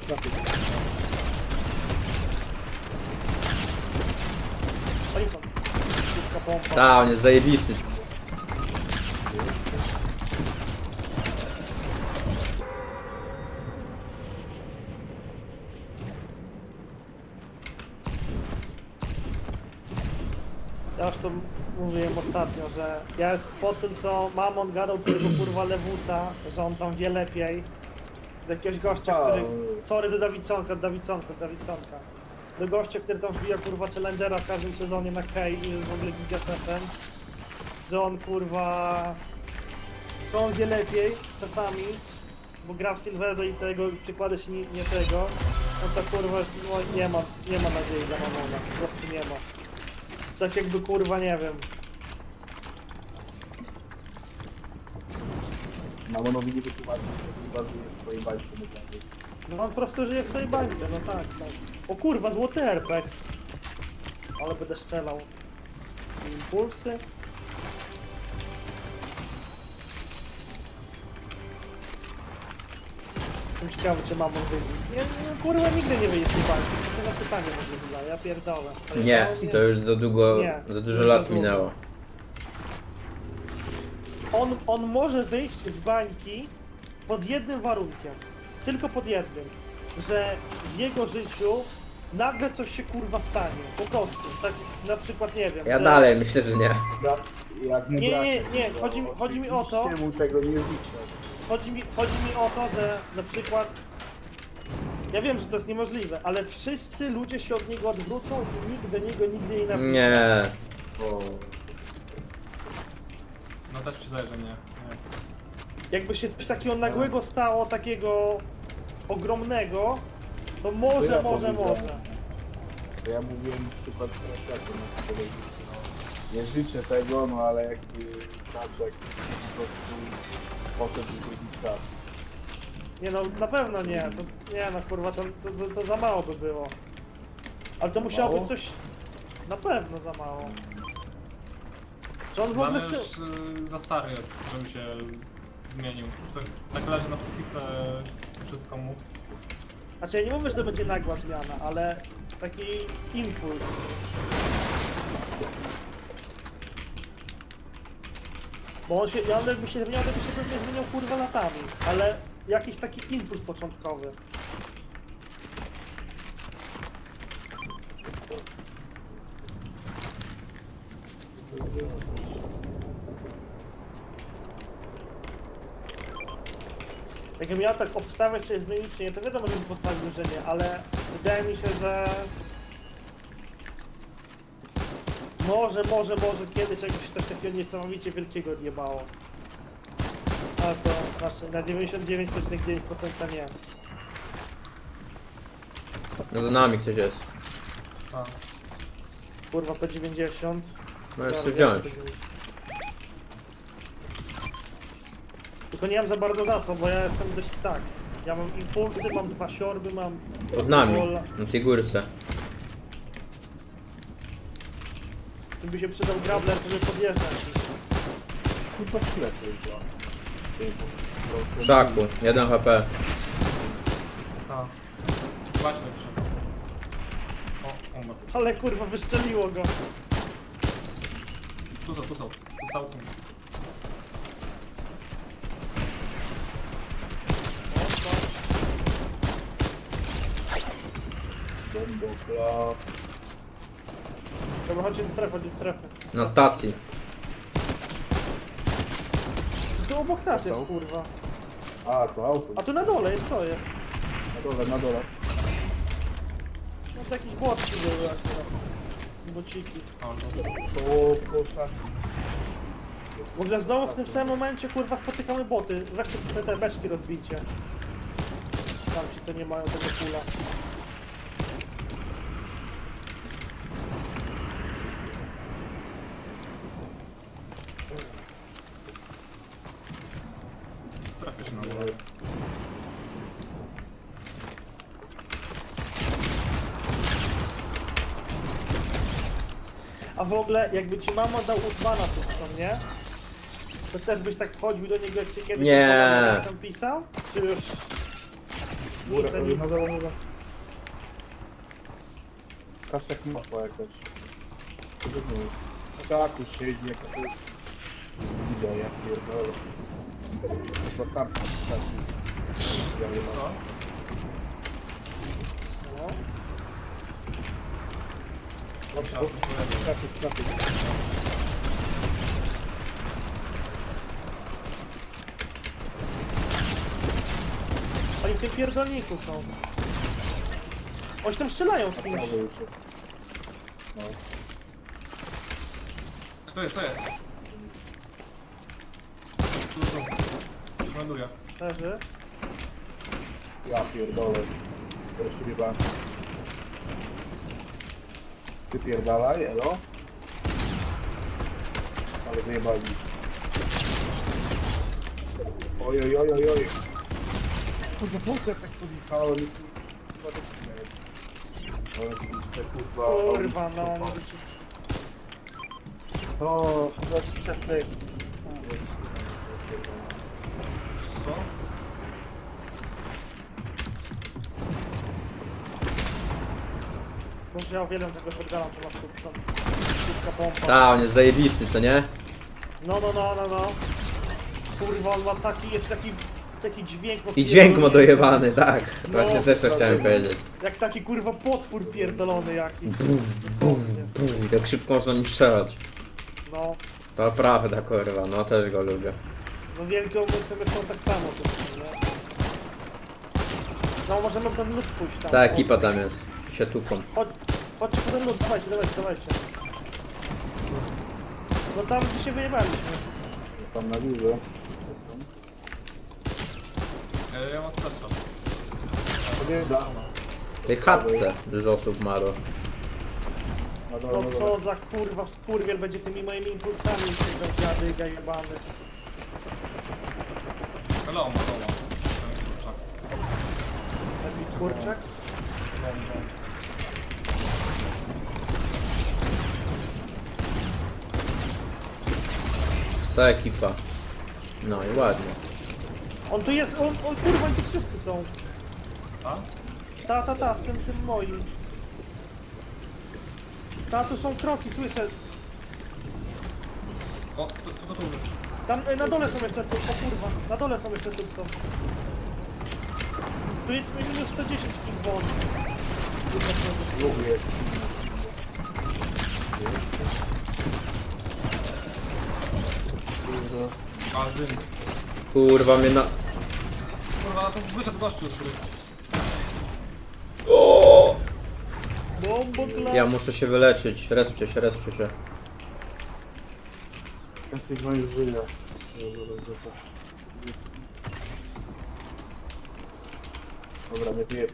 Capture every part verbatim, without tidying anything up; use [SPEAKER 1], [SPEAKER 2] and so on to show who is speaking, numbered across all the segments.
[SPEAKER 1] trafił.
[SPEAKER 2] Oni są. Szybka pompa.
[SPEAKER 3] Ta, on jest zajebisty.
[SPEAKER 2] Ja już to mówiłem ostatnio, że ja po tym co Mamon gadał do tego kurwa Lewusa, że on tam wie lepiej. Do jakiegoś gościa, który... Sorry do Dawidsonka, Dawidsonka, Dawidsonka. Do gościa, który tam wbija kurwa Challengera w każdym sezonie na Kej i jest w ogóle gigaszefem. Że on kurwa... Że on wie lepiej czasami, bo gra w Silverze i tego przykłada się nie, nie tego. No to kurwa no, nie ma, nie ma nadziei dla Mamona, po prostu nie ma. Tak jakby kurwa nie wiem.
[SPEAKER 1] Mamonowi nie wytłumaczył, że kurwa żyje w swojej bańce medalnej.
[SPEAKER 2] No on po prostu żyje w tej bańce, no tak, tak. O kurwa, złoty R P G. Ale będę strzelał. Impulsy. Jestem ciekawy, czy mamon wyjdzie. Nie, no, kurwa nigdy nie wyjdzie z tej bańki. To na pytanie może wyda, ja pierdolę. Ale
[SPEAKER 3] Nie,
[SPEAKER 2] to
[SPEAKER 3] to już za długo,
[SPEAKER 2] Nie,
[SPEAKER 3] za dużo
[SPEAKER 2] już
[SPEAKER 3] lat
[SPEAKER 2] za długo.
[SPEAKER 3] minęło.
[SPEAKER 2] On, on może wyjść z bańki pod jednym warunkiem. Tylko pod jednym. Że w jego życiu nagle coś się kurwa stanie. Po prostu. Tak na przykład nie wiem.
[SPEAKER 3] Ja
[SPEAKER 2] że...
[SPEAKER 3] dalej myślę, że nie.
[SPEAKER 1] Ja, jak mu
[SPEAKER 2] Nie,
[SPEAKER 1] braknie,
[SPEAKER 2] nie, nie,
[SPEAKER 1] to
[SPEAKER 2] chodzi mi- chodzi mi o to-
[SPEAKER 1] oczywiście mu tego nie życzę.
[SPEAKER 2] Chodzi mi, chodzi mi o to, że na przykład... Ja wiem, że to jest niemożliwe, ale wszyscy ludzie się od niego odwrócą i nikt do niego nigdy nie napisze.
[SPEAKER 3] Nie.
[SPEAKER 1] Bo...
[SPEAKER 4] No też przyznaję, że nie. nie.
[SPEAKER 2] Jakby się coś takiego nagłego stało, takiego ogromnego, to może,
[SPEAKER 1] To ja
[SPEAKER 2] może,
[SPEAKER 1] powiedziałem.
[SPEAKER 2] może.
[SPEAKER 1] To ja mówiłem przykład teraz jak na powiedzieć, no, nie życzę tego, no ale jakby Taczek po prostu poszedł do czas.
[SPEAKER 2] Nie no, na pewno nie, to, nie no kurwa, to, to, to, to za mało by było. Ale to musiało
[SPEAKER 1] mało?
[SPEAKER 2] być coś... Na pewno za mało. Że on w
[SPEAKER 4] No,
[SPEAKER 2] ogóle...
[SPEAKER 4] ale
[SPEAKER 2] Się...
[SPEAKER 4] już y, za stary jest, żeby się zmienił. Już tak, tak leży na psychice wszystko mu.
[SPEAKER 2] Znaczy ja nie mówię, że to będzie nagła zmiana, ale taki impuls. Bo on się, ja on jakby się zmieniał, to by się pewnie zmieniał kurwa latami, ale jakiś taki impuls początkowy. Jakbym ja tak obstawiać, czy zmienić, czy nie, to wiadomo, że bym postawił, że nie, ale wydaje mi się, że... Może, może, może kiedyś jakby się coś takiego niesamowicie wielkiego odjebało. Ale to znaczy na dziewięćdziesiąt dziewięć przecinek dziewięć procent nie.
[SPEAKER 3] No za nami ktoś jest.
[SPEAKER 4] A,
[SPEAKER 2] Kurwa P dziewięćdziesiąt.
[SPEAKER 3] Możesz
[SPEAKER 2] Zaraz,
[SPEAKER 3] sobie
[SPEAKER 2] zaraz
[SPEAKER 3] wziąć.
[SPEAKER 2] P dziewięćdziesiąt. Tylko nie mam za bardzo za co, bo ja jestem dość tak. Ja mam impulsy, mam dwa siorby, mam...
[SPEAKER 3] Pod nami,
[SPEAKER 2] Bola.
[SPEAKER 3] na tej górce.
[SPEAKER 2] Tu by się przydał grabler, żeby podjeżdżać.
[SPEAKER 1] Kurwa ślepy była.
[SPEAKER 3] W szaku, jeden H P.
[SPEAKER 4] a. Właśnie przyszedł. O, umarł.
[SPEAKER 2] Ale kurwa, wyszczeliło go.
[SPEAKER 4] Tu są, tu są. Tu są. Tu.
[SPEAKER 1] Bombokla.
[SPEAKER 2] Dobra, chodźcie do strefy, chodźcie do strefy.
[SPEAKER 3] Na stacji.
[SPEAKER 2] Tu obok nas jest, kurwa.
[SPEAKER 1] A, to auto.
[SPEAKER 2] A tu na dole jest, co jest?
[SPEAKER 1] Na dole, na dole.
[SPEAKER 2] No to jakieś błotki były akurat. Bociki.
[SPEAKER 4] O, to.
[SPEAKER 1] To koszak.
[SPEAKER 2] W ogóle znowu w tym samym momencie, kurwa, spotykamy boty. Weźcie sobie te beczki rozbicie. Tam ci, co nie mają tego pula.
[SPEAKER 4] Strefy się nazywa.
[SPEAKER 2] A w ogóle, jakby ci mama dał Utmana tu, co nie? To też byś tak wchodził do niego, jak cię kiedyś
[SPEAKER 3] Nie.
[SPEAKER 2] tam pisał? Czy już...
[SPEAKER 1] Górę,
[SPEAKER 2] Nic, nic.
[SPEAKER 1] na dole, na dole. Kaszek mapa jakaś. Co to jest? Kaku siedzi, jaka to jest... Widzę, ja pierdolę. Chyba karta wystarczy. Ja nie mam.
[SPEAKER 4] Co?
[SPEAKER 2] No.
[SPEAKER 4] Musiałem coś powiedzieć.
[SPEAKER 1] Kaszek, kaszek.
[SPEAKER 2] Oni w tym pierdolniku są. Oni tam strzelają z kimś.
[SPEAKER 1] Może już. No.
[SPEAKER 4] To jest, to jest. Tu, tu. Już ląduję.
[SPEAKER 2] Leży.
[SPEAKER 1] Ja pierdolę. Teraz się chyba... Ty pierdalaj, elo? Ale wyjebali. Oj, oj, oj, oj, oj. Kurwa, wątek tak podjechałem i kurwa to nie. Ale widzicie, kurwa...
[SPEAKER 2] Kurwa, no. mówię ci.
[SPEAKER 1] To... chyba wczesny...
[SPEAKER 4] Co?
[SPEAKER 2] Może ja uwielbiam tego shotguna, to masz tu tam szybka pompa.
[SPEAKER 3] Ta, on jest zajebisty, co nie?
[SPEAKER 2] No, no, no, no, no. Kurwa, on ma taki, jest taki, taki dźwięk.
[SPEAKER 3] I dźwięk ma dojebany, tak.
[SPEAKER 2] No,
[SPEAKER 3] Właśnie też to chciałem powiedzieć.
[SPEAKER 2] Jak taki kurwa potwór pierdolony jakiś.
[SPEAKER 3] Bum, jak szybko można nim strzelać.
[SPEAKER 2] No,
[SPEAKER 3] To prawda, kurwa, no też go lubię.
[SPEAKER 2] no wielkie umysły są tak samo. To, nie? No, możemy w ten lód pójść tam.
[SPEAKER 3] Ta ekipa tam jest. Się tuką.
[SPEAKER 2] Chodź, chodźcie po ten lód, dawajcie, dawajcie, dawajcie. No tam gdzie się wyjebaliśmy.
[SPEAKER 1] Tam na górze.
[SPEAKER 4] E, Ja mam starczą.
[SPEAKER 1] To nie da.
[SPEAKER 3] W tej chatce dużo osób marło.
[SPEAKER 1] Na dole,
[SPEAKER 2] No
[SPEAKER 1] na dole.
[SPEAKER 2] co za kurwa skurwiel będzie tymi moimi impulsami tego dziadyga jebany.
[SPEAKER 4] Ale on ma doła.
[SPEAKER 2] Taki kurczak.
[SPEAKER 3] Ta ekipa. No i ładnie.
[SPEAKER 2] On tu jest, on, on kurwa, oni tu wszyscy są.
[SPEAKER 4] A?
[SPEAKER 2] Ta, ta, ta, w tym, tym moim. Ta, tu są kroki, słyszę.
[SPEAKER 4] O, to, to, to tu.
[SPEAKER 2] Tam y, na dole są jeszcze tu, o kurwa, na dole są jeszcze tu są. Tu jest minus sto dziesięć tych won.
[SPEAKER 1] Lubię.
[SPEAKER 4] A, dym.
[SPEAKER 3] Kurwa mnie na...
[SPEAKER 4] Kurwa, to wyszedł gościu, który...
[SPEAKER 3] O!
[SPEAKER 2] Bombo dla...
[SPEAKER 3] Ja muszę się wyleczyć. Respcie się, respcie się.
[SPEAKER 1] Jesteś moim życia. Dobra, nie piję.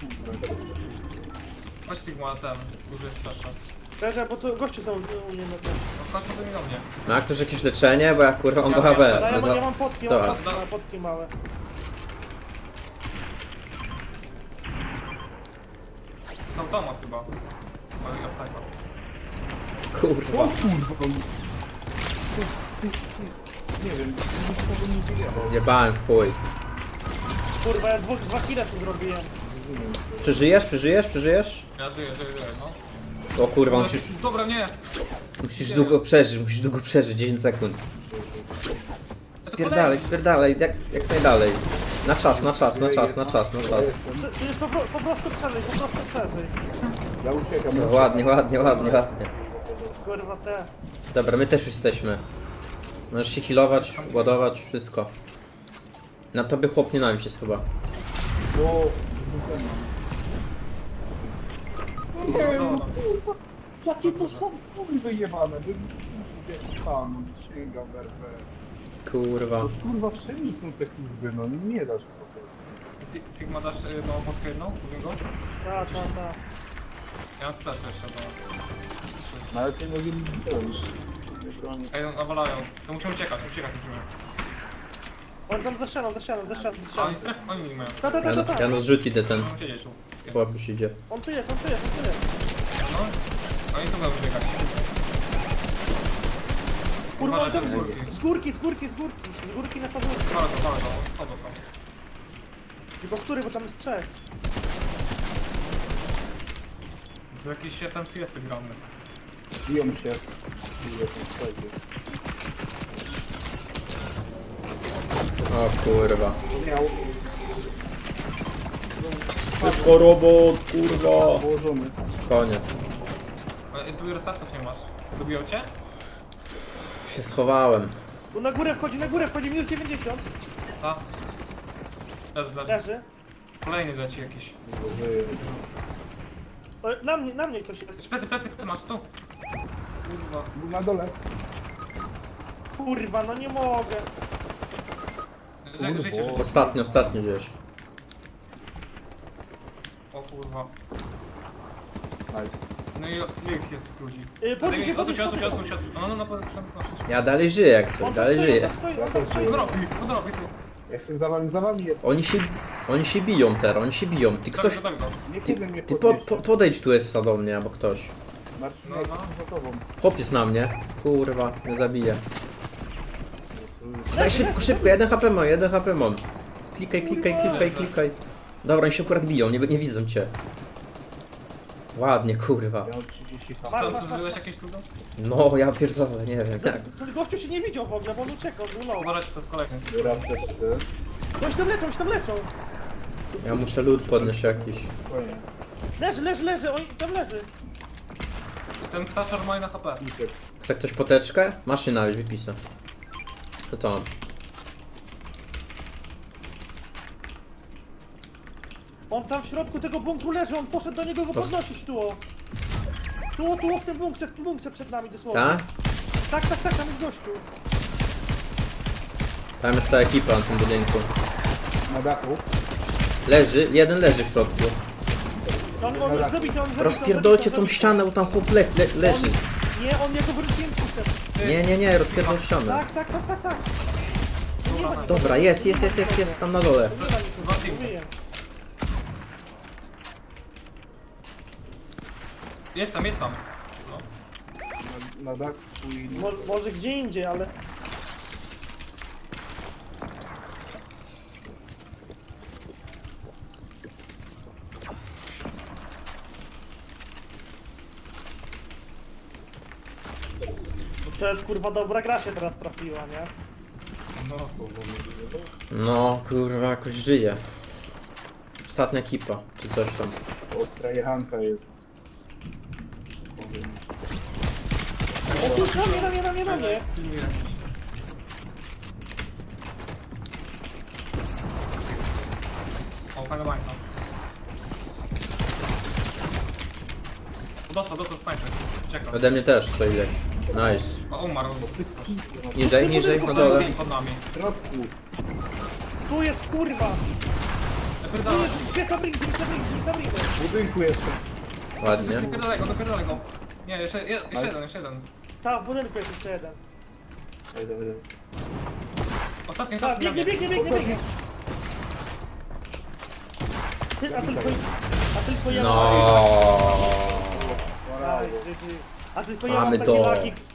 [SPEAKER 4] Chodź Sigma, ten, duży jest flasza.
[SPEAKER 2] Czekaj, bo to goście są u mnie na tym.
[SPEAKER 4] No chodź potem i do mnie.
[SPEAKER 3] Ma ktoś jakieś leczenie? Bo ja kurwa mam
[SPEAKER 4] Ja
[SPEAKER 3] do H
[SPEAKER 4] wiem,
[SPEAKER 3] B.
[SPEAKER 2] Ale ja,
[SPEAKER 3] No
[SPEAKER 2] mam, ja
[SPEAKER 3] to...
[SPEAKER 2] mam potki,
[SPEAKER 3] Dobra.
[SPEAKER 2] mam potki, mam potki małe.
[SPEAKER 4] Są doma chyba. Ale ja tak.
[SPEAKER 3] Kurwa.
[SPEAKER 1] Nie wiem, nikogo nie wyjebał.
[SPEAKER 3] Zjebałem w chuj.
[SPEAKER 2] Kurwa, ja dwóch, dwa kile tu zrobiłem.
[SPEAKER 3] Przeżyjesz? Przeżyjesz? Przeżyjesz?
[SPEAKER 4] Ja żyję, żyję, żyję, no.
[SPEAKER 3] O kurwa, musisz,
[SPEAKER 4] Dobra, nie!
[SPEAKER 3] musisz długo przeżyć, musisz długo przeżyć, dziesięć sekund. Spierdalaj, spierdalaj, jak, jak najdalej. Na czas, na czas, na czas, na czas, na czas.
[SPEAKER 2] To to jest po, pro- po prostu przeżyj, po prostu przeżyj.
[SPEAKER 1] Ja uciekam.
[SPEAKER 3] No, ładnie, ładnie, ładnie, ładnie.
[SPEAKER 2] Kurwa te.
[SPEAKER 3] Dobra, my też jesteśmy. Możesz się healować, ładować, wszystko. Na tobie chłop nienawiść jest chyba.
[SPEAKER 1] O,
[SPEAKER 4] Dobra.
[SPEAKER 1] jakie to są kurwy wyjebane. Bym tam sięgam w R P.
[SPEAKER 3] Kurwa.
[SPEAKER 1] To kurwa wszędzie są te kurwy, no nie dasz po prostu.
[SPEAKER 4] Si- Sigma dasz y, no podkę jedną do niego?
[SPEAKER 2] Ta, ta, ta.
[SPEAKER 4] Ja mam splash jeszcze do... Trzy.
[SPEAKER 1] Nawet nie mogli mi wziąć. Nie broni.
[SPEAKER 4] Ej, no, nawalają. To musimy uciekać, uciekać musimy.
[SPEAKER 2] On tam za ścianą, za ścianą, za ścianą, za
[SPEAKER 4] A oni
[SPEAKER 2] ścianą.
[SPEAKER 4] stref, oni nie mają.
[SPEAKER 2] Ta, ta, ta, ta,
[SPEAKER 3] Jan,
[SPEAKER 2] ta.
[SPEAKER 3] Janusz rzuć idę ten.
[SPEAKER 4] Muszą siedzieć tu.
[SPEAKER 3] Chłop już idzie.
[SPEAKER 2] On tu jest, on tu jest, on tu jest.
[SPEAKER 4] No. Oni tu będą wybiegać.
[SPEAKER 2] Kurwa, on tam
[SPEAKER 4] Uważajcie,
[SPEAKER 2] z górki, z górki, z górki. Z górki na pazurki.
[SPEAKER 4] Bardzo, bardzo, słabo są.
[SPEAKER 2] Tylko który, bo tam jest trzech.
[SPEAKER 4] Tu jakieś F M C S-y gramy.
[SPEAKER 1] Biją się. Biją się, słuchajcie.
[SPEAKER 3] O kurwa.
[SPEAKER 1] Miał
[SPEAKER 3] Szybko robot, kurwa.
[SPEAKER 1] położony.
[SPEAKER 3] Koniec.
[SPEAKER 4] Ale tu restartów nie masz. Dobiją cię?
[SPEAKER 3] Się schowałem.
[SPEAKER 2] Tu na górę wchodzi, na górę wchodzi, minus dziewięćdziesiąt.
[SPEAKER 4] A. Leży, leży.
[SPEAKER 2] Leży.
[SPEAKER 4] Kolejny leci jakiś.
[SPEAKER 1] Żyje.
[SPEAKER 2] O, Na mnie, na mnie ktoś jest.
[SPEAKER 4] Plecy, plecy, ty masz tu. Kurwa.
[SPEAKER 1] Był na dole.
[SPEAKER 2] Kurwa, no nie mogę.
[SPEAKER 4] Ży, żyjcie, żyjcie.
[SPEAKER 3] Ostatnio, ostatnio gdzieś.
[SPEAKER 4] O kurwa.
[SPEAKER 1] Nice.
[SPEAKER 4] No i ile ich jest tych ludzi?
[SPEAKER 2] Yy, podnieś się,
[SPEAKER 4] Odsuń się, odsuń
[SPEAKER 2] podnieś
[SPEAKER 4] się,
[SPEAKER 2] się.
[SPEAKER 4] odsuń się. No, no, no, no, no,
[SPEAKER 3] Ja dalej żyję jak coś,
[SPEAKER 2] On
[SPEAKER 3] dalej
[SPEAKER 2] tam stoi,
[SPEAKER 3] żyję.
[SPEAKER 2] on tam stoi,
[SPEAKER 1] Ja
[SPEAKER 2] on tam
[SPEAKER 1] też
[SPEAKER 2] stoi.
[SPEAKER 1] żyję.
[SPEAKER 4] Podrobi, podrobi tu.
[SPEAKER 1] Ja jestem za wami, za wami jest.
[SPEAKER 3] Oni się, oni się biją teraz, oni się biją. Ty ktoś,
[SPEAKER 4] Ktoś... Go.
[SPEAKER 1] Nie
[SPEAKER 3] ty,
[SPEAKER 1] kiedy mnie
[SPEAKER 3] ty po,
[SPEAKER 1] podnieść.
[SPEAKER 3] po, podejdź tu jest do mnie, albo ktoś.
[SPEAKER 1] Marcin,
[SPEAKER 4] No,
[SPEAKER 1] ja
[SPEAKER 4] no.
[SPEAKER 1] jestem za tobą.
[SPEAKER 3] Chłopiec na mnie. Kurwa, mnie zabije. Daj szybko, szybko, jeden H P mam, jeden H P mam. Klikaj, klikaj, klikaj, klikaj. Dobra, oni się akurat biją, nie, nie widzą cię. Ładnie, kurwa.
[SPEAKER 1] Ja mam trzydzieści
[SPEAKER 2] Masz,
[SPEAKER 1] H P.
[SPEAKER 4] Co,
[SPEAKER 2] masz,
[SPEAKER 4] co
[SPEAKER 2] masz.
[SPEAKER 4] zrobiłeś jakieś cudo?
[SPEAKER 3] No, ja pierdolę, nie wiem jak.
[SPEAKER 2] Ten gościu się nie widział w ogóle, bo on uciekał, był low.
[SPEAKER 4] Uważajcie, to jest kolejny.
[SPEAKER 1] Raz też ty.
[SPEAKER 2] Ktoś tam leczą, ktoś tam leczą.
[SPEAKER 3] Ja muszę lód podnieść jakiś.
[SPEAKER 1] Spokojnie.
[SPEAKER 2] Leży, leży, leży, on tam leży.
[SPEAKER 4] Ten ptaszar ma na H P.
[SPEAKER 1] Pisek.
[SPEAKER 3] Chce ktoś poteczkę? Masz się nawet wypisać. Co to mam?
[SPEAKER 2] On tam w środku tego bunkru leży, on poszedł do niego go podnosić tu. o. Tu, tu, w tym bunkrze, w tym bunkrze przed nami dosłownie.
[SPEAKER 3] Tak?
[SPEAKER 2] Tak, tak, tak, tam jest gościu.
[SPEAKER 3] Tam jest ta ekipa na tym budynku.
[SPEAKER 1] Na dachu.
[SPEAKER 3] Leży, jeden leży w środku.
[SPEAKER 2] On, on jest zabity, on jest zabity.
[SPEAKER 3] Rozpierdolcie
[SPEAKER 2] on
[SPEAKER 3] tą
[SPEAKER 2] zabity.
[SPEAKER 3] ścianę, bo tam chłop le, le, leży.
[SPEAKER 2] On, nie, on jego wróciłem przyszedł.
[SPEAKER 3] Nie, nie, nie, rozpierdol ścianę.
[SPEAKER 2] Tak, tak, tak, tak, tak. Nie ma nikogo.
[SPEAKER 3] Dobra, jest, jest, jest, jest, jest, tam na dole.
[SPEAKER 2] Nie ma nikogo, mówiłem.
[SPEAKER 4] Jest tam, jest tam. No.
[SPEAKER 1] Na, na dachu i...
[SPEAKER 2] Może, może gdzie indziej, ale... To jest kurwa dobra gra się teraz trafiła, nie?
[SPEAKER 1] No,
[SPEAKER 3] No, kurwa, jakoś żyje. Ostatnia ekipa, czy coś tam.
[SPEAKER 1] ostra jechanka jest.
[SPEAKER 2] O tu, na mnie, na mnie, na mnie, na mnie!
[SPEAKER 4] O, fajna bańka. Dostał, dostał snajper. Czekam.
[SPEAKER 3] Ode mnie też co ile. Nice.
[SPEAKER 4] O, umarł.
[SPEAKER 3] Niżej, niżej, na dole.
[SPEAKER 4] Pod nami.
[SPEAKER 1] W środku.
[SPEAKER 2] Tu jest kurwa! Tu
[SPEAKER 4] Napierdalaj.
[SPEAKER 2] jest, gdzie Sabrin, gdzie Sabrin, gdzie Sabrin?
[SPEAKER 1] W budynku jeszcze.
[SPEAKER 3] Ładnie.
[SPEAKER 4] Napierdalaj go, napierdalaj go. Nie, jeszcze, je, jeszcze jeden, jeszcze jeden.
[SPEAKER 2] Tak, w budynku jest jeszcze jeden.
[SPEAKER 1] Daj, daj, daj.
[SPEAKER 4] Ostatni,
[SPEAKER 2] Tak,
[SPEAKER 4] ostatni.
[SPEAKER 2] biegnie, biegnie, biegnie, biegnie! Ty, a tylko, a tylko ja...
[SPEAKER 3] No.
[SPEAKER 2] Aj, G G. A tylko ja
[SPEAKER 3] Mamy
[SPEAKER 2] mam takie
[SPEAKER 3] to.
[SPEAKER 2] lagi,